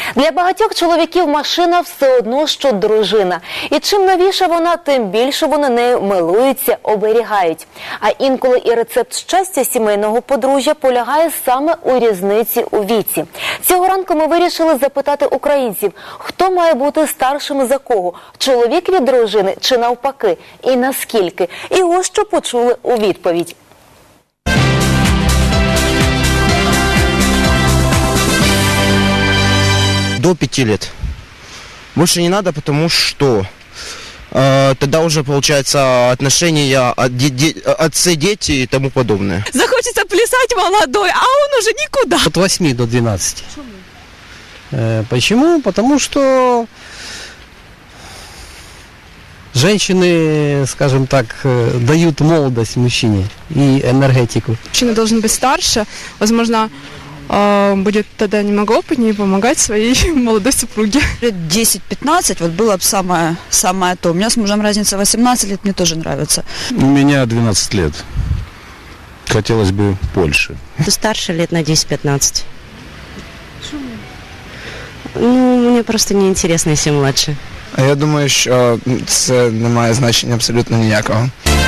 Для багатьох чоловіків машина все одно, що дружина. І чим новіша вона, тим більше вони нею милуються, оберігають. А інколи і рецепт щастя сімейного подружжя полягає саме у різниці у віці. Цього ранку ми вирішили запитати українців, хто має бути старшим за кого – чоловік від дружини чи навпаки, і наскільки. І ось що почули у відповідь. До 5 лет. Больше не надо, потому что тогда уже получается отношения отцы, дети и тому подобное. Захочется плясать молодой, а он уже никуда. От 8 до 12. Почему? Потому что женщины, скажем так, дают молодость мужчине и энергетику. Мужчина должен быть старше, возможно, будет тогда немного опытнее помогать своей молодой супруге. Лет 10-15 вот было бы самое то. У меня с мужем разница 18 лет, мне тоже нравится. У меня 12 лет. Хотелось бы больше. Ты старше лет на 10-15. Ну, мне просто неинтересно, если младше. Я думаю, що це не має значення абсолютно ніякого.